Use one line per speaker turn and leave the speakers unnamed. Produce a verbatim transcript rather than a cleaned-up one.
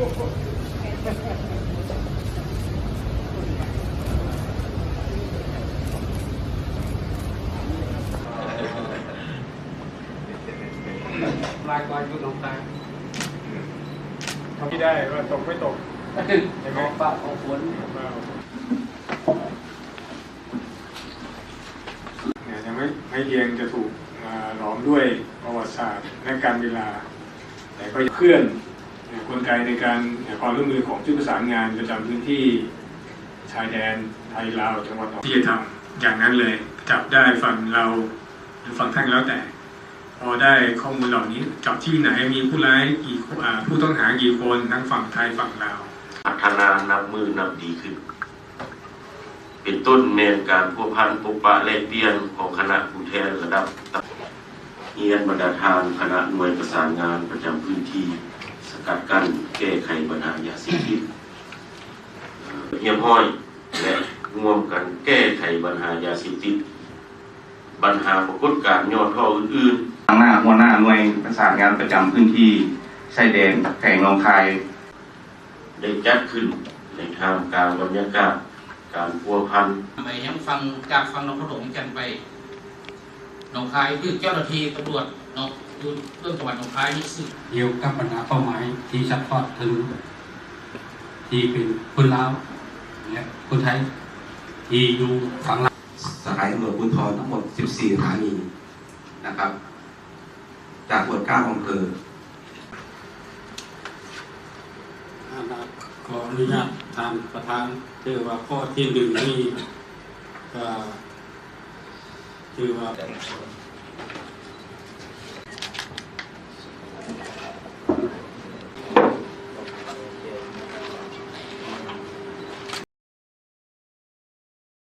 ลายลายคือน้องตา
ทำที่ได้ว่าตกไม่ตกใช่ไหม
ฟ้าของฝน
เนี่ยยังไม่ไม่เรียงจะถูกหลอมด้วยประวัติศาสตร์และการเวลาแต่ก็เคลื่อนกลไกในการความร่วมมือของชุดประสานงานประจำพื้นที่ชายแดนไทยลาวจังหวัดที่จะทำอย่างนั้นเลยจับได้ฝั่งเราหรือฝั่งท่านแล้วแต่พอได้ข้อมูลเหล่านี้จับที่ไหนมีผู้ร้ายกี่ผู้ต้องหากี่คนทั้งฝั่งไทยฝั่งลาว
พัฒนานับมือนับดีขึ้นเป็นต้นเมนการพัวพันปกปะแลกเปลี่ยนของคณะผู้แทนระดับเฮียนบรรดาทานคณะหน่วยประสานงานประจำพื้นที่สกัดกั้นแก้ไขปัญหายาเสพติดเฮียมห้อยและร่วมกันแก้ไขปัญหายาเสพติดปัญหาปรากฏการณ์ย้อนท่ออื่นๆทางหน้าหัวหน้าหน่วยประสานงานประจำพื้นที่ชายแดนแข่งหนองคายได้จัดขึ้นในทางการบรรยากาศการพัวพัน
ไปยังฟังจากฟังน้องขนมกันไปหนองคายคือเจ้าหน้าที่ตำรวจเนาะดูเรื่องจังหวัดหนองคายนี่สิ
เกี่ยวกับปัญหาเป้าหมายที่ชัดทอดถึงที่เป็นคนลาวและคนไทยที่อยู่ฝั่งลาว
สถานีตำรวจภูธรทั้งหมดสิบสี่สถานีนะครับจากหมวดเก้าอำเภอ
ขออนุญาตทานประธานคือว่าข้อที่หนึ่งนี่ก็คือว่า